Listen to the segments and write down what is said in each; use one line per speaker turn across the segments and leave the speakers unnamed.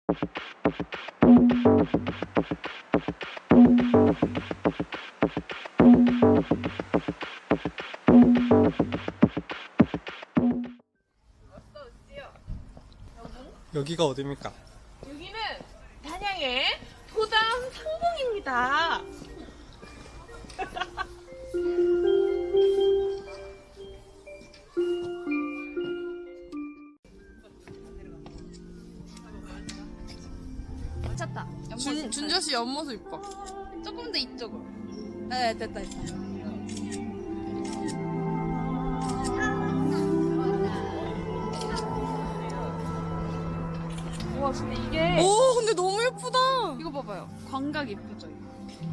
여기가 어디입니까?
여기는 단양의 도담 상봉입니다.
찾다.
준저씨 옆모습 이뻐.
조금 더 이쪽으로. 네, 됐다.
우와, 근데 이게.
오, 근데 너무 예쁘다.
이거 봐봐요. 광각 예쁘죠, 이거.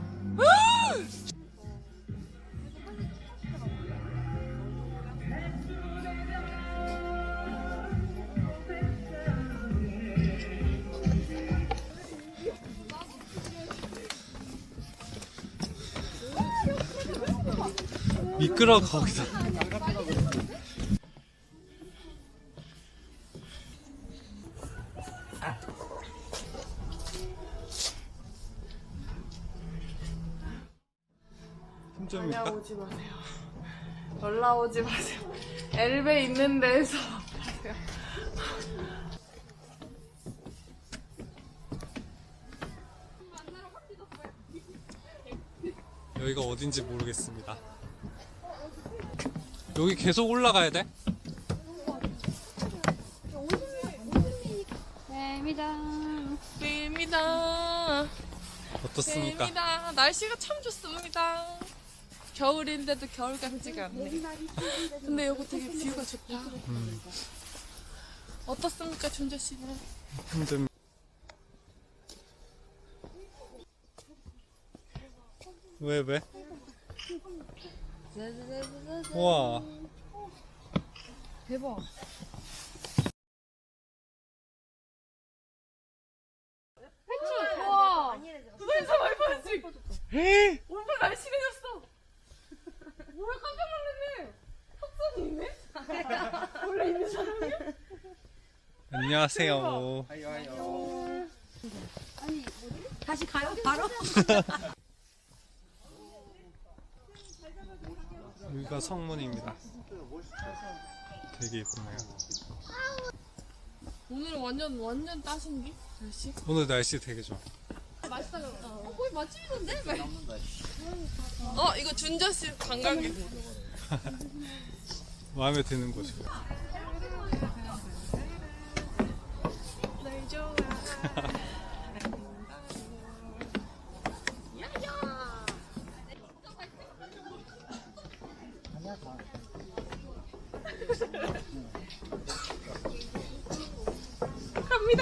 미끄러 거기서. 힘줍니까?
올라오지 마세요. 올라오지 마세요. 엘베 있는 데서 하세요.
여기가 어딘지 모르겠습니다. 여기 계속 올라가야 돼?
뱀이다.
어떻습니까?
뱀이다. 날씨가 참 좋습니다. 겨울인데도 겨울 같지가 않네. 근데 여기 되게 뷰가 좋다. 어떻습니까, 준저 씨는?
힘듭니다. 왜? 우와.
대박.
우와. 두단사 많이 빠졌지? 오빠 날씬해졌어. 뭐야, 깜짝 놀랐네. 턱선이 있네? 원래 있는 사람이야?
안녕하세요.
다시 가요? 바로?
여기가 성문입니다. 되게 예쁘네요.
오늘은 완전 따신기? 날씨?
오늘 날씨 되게 좋아.
맛있다. 거기 맛집이던데? 이거 준저씨 관광객.
마음에 드는 곳이고.
날 좋아. 갑니다.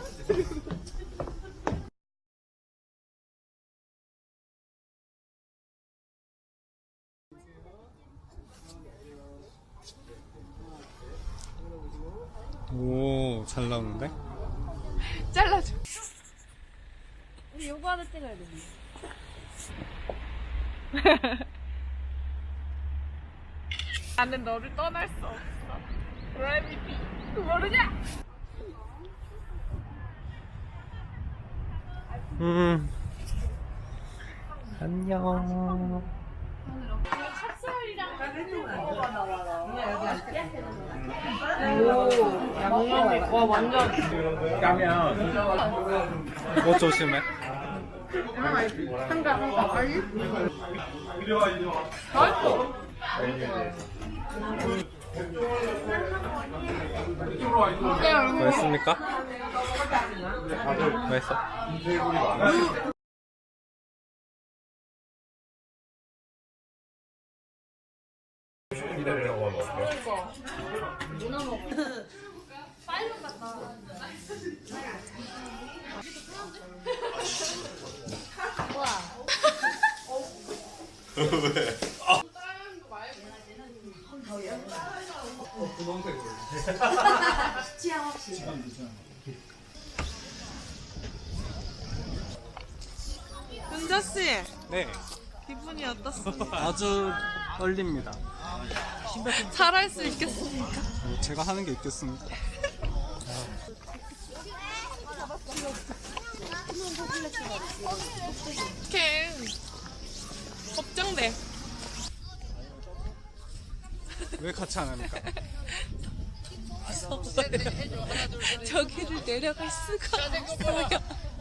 오, 잘 나오는데?
잘라줘.
우리 요거 하나 찍어야 돼.
나는 너를 떠날 수 없어. 그래비티. 모르냐?
안녕.
양념이 와 완전.
뭐 조심해. 맛있습니까? 맛있어? 왜?
취향 없이.
준저씨,
네,
기분이 어떻습니까?
아주 떨립니다.
잘할 수 있겠습니까?
제가 하는 게 있겠습니까?
어떡해. 걱정돼.
왜 같이 안 합니까?
저기를 내려갈 수가 없어요.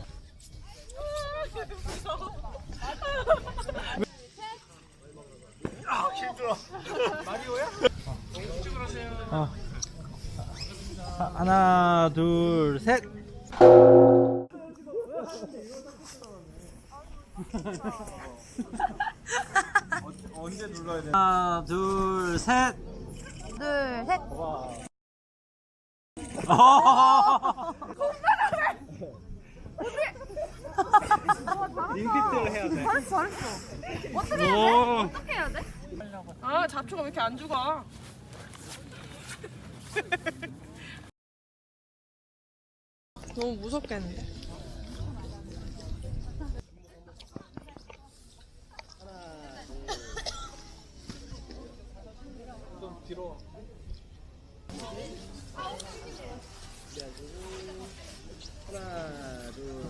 하나, 둘, 셋.
언제 눌러야 돼?
하나, 둘, 셋.
둘, 셋.
링피트를 해야 돼.
잘했어. 어떻게 해야 돼?
오.
어떻게 해야 돼?
아, 잡초가 왜 이렇게 안 죽어? 너무 무섭겠는데.
좀 뒤로.
하나, 둘,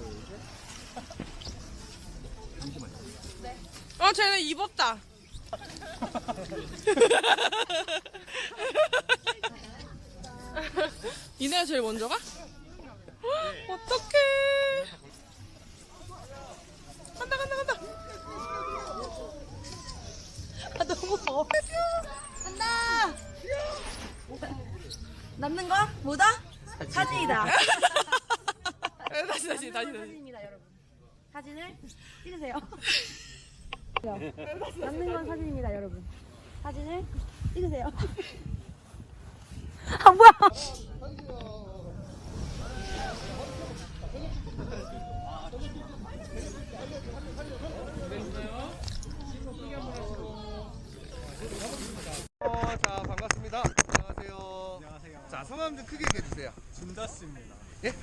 셋.
쟤는 입었다. 이내가 제일 먼저 가? 어떡해. 간다, 간다, 간다.
아, 너무 더워. 간다. 남는 거 뭐다? 사진이다.
다시.
사진입니다, 여러분. 사진을 찍으세요. 남는 건 사진입니다, 여러분. 사진을 찍으세요. 아, 뭐야?
자, 반갑습니다. 안녕하세요.
안녕하세요.
자, 성함 좀 크게 얘기해 주세요.
준다스입니다.
예?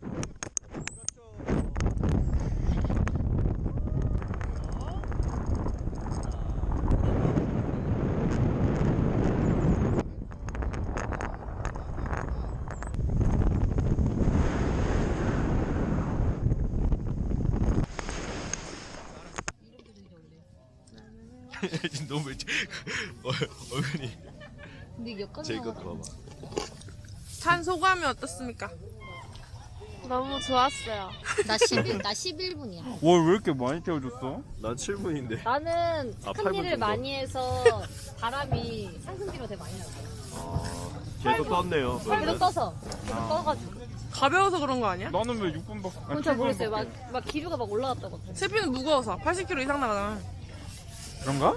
너무 얼굴이
근데 여기까지
제이것 봐봐.
찬 소감이 어떻습니까?
너무 좋았어요.
나 11분이야.
와, 왜 이렇게 많이 태워줬어?
난 7분인데.
나는
아,
큰
8분
일을
정도?
많이 해서 바람이 상승기로 되게 많이 났어요.
계속 떴네요.
계속
그러면.
떠서 계속 떠가지고.
가벼워서 그런 거 아니야?
나는 왜 6분밖에
그건 잘 모르겠어요. 막 기류가 막 올라갔다고.
세피는 무거워서 80kg 이상 나가잖아.
그런가?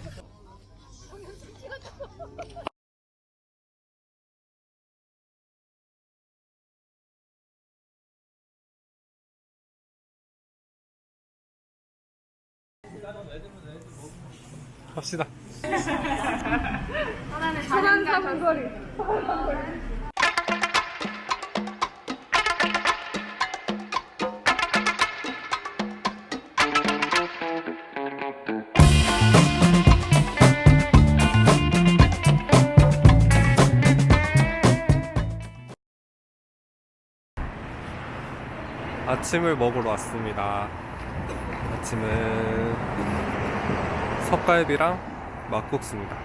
갑시다.
천안 삼거리.
아침을 먹으러 왔습니다. 아침은 섭갈비랑 막국수입니다.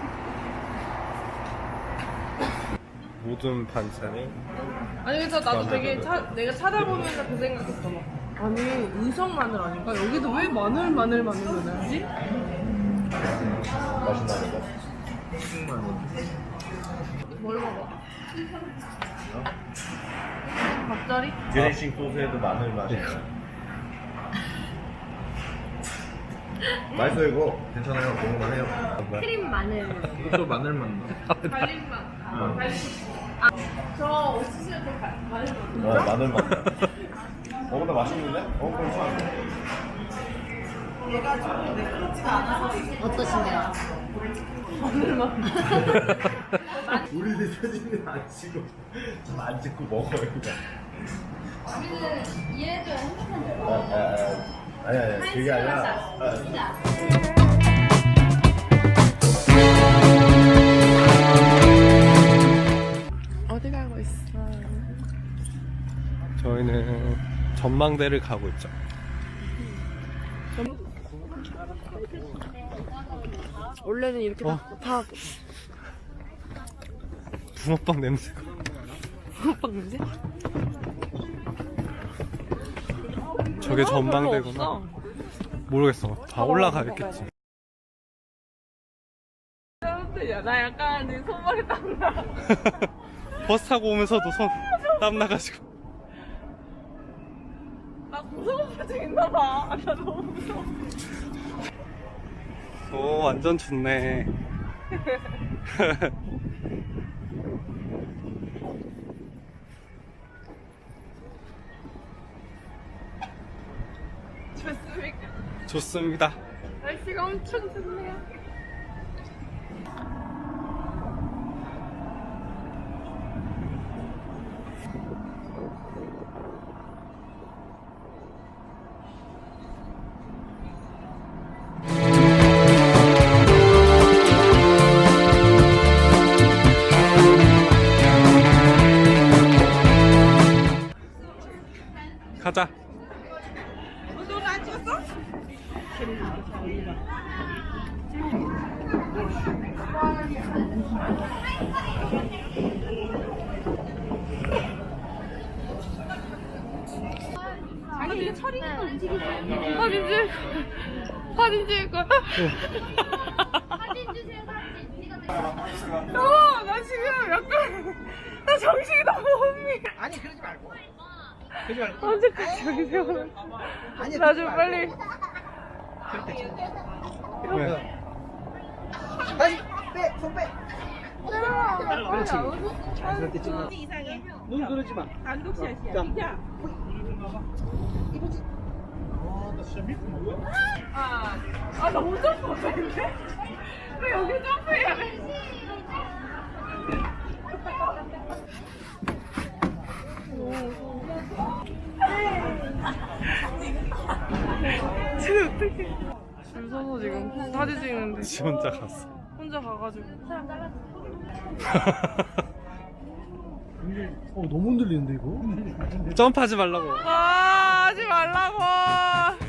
모든 반찬이
아니 그래서 나도 되게 내가 찾아보면서 그 생각했어. 막. 아니 은성 마늘 아닌가? 여기도 왜 마늘 넣어야지?
맛있나 보다.
뭘 먹어? 밥자리?
드레싱 소스에도 마늘 맛이. 맛있어 이거. 괜찮아요. 먹을만 해요.
크림 마늘.
이것도 마늘 맛 나.
갈림맛. 저 옥수수에 또 마늘맛.
마늘 맛 나. 근데 맛있는데? 괜찮아.
어떠신가요?
우리들 사진을 안 찍고 좀 안 찍고 먹어요 그냥.
우리는 이해해줘야 행복한
아니 그게 아니라
어디 가고 있어?
저희는 전망대를 가고 있죠.
원래는 이렇게 다
붕어빵 냄새가.
붕어빵 냄새?
저게 전망대구나.
없어.
모르겠어. 다 올라가겠지.
나 약간 내 손발이 땀나.
버스 타고 오면서도 손 땀 나가지고.
나 무서운 표정 있나봐. 나 너무 무서워.
오, 완전 좋네.
좋습니까?
좋습니다.
날씨가 엄청 좋네요.
가자.
너안 찍었어? 아니 이게 철이니까 움직이지. 사진 찍을 거야.
사진 주세요, 사진.
나 지금 약간 나 정신이 너무 혼미.
아니 그러지 말고. 그러지 말고.
언제까지 여기 세워놔?
아니
나 좀 빨리.
왜?
다시 빼, 손 빼. 그렇지. 자연스럽게 찍어. 눈 그러지 마.
단독샷이야.
자.
나 혼자 못하는데? 왜 여기 점프해야 돼? 쟤 어떡해. 줄 서서 지금 사진 찍는데
지 혼자 갔어.
혼자 가가지고.
너무 흔들리는데 이거?
점프하지 말라고.
하지 말라고.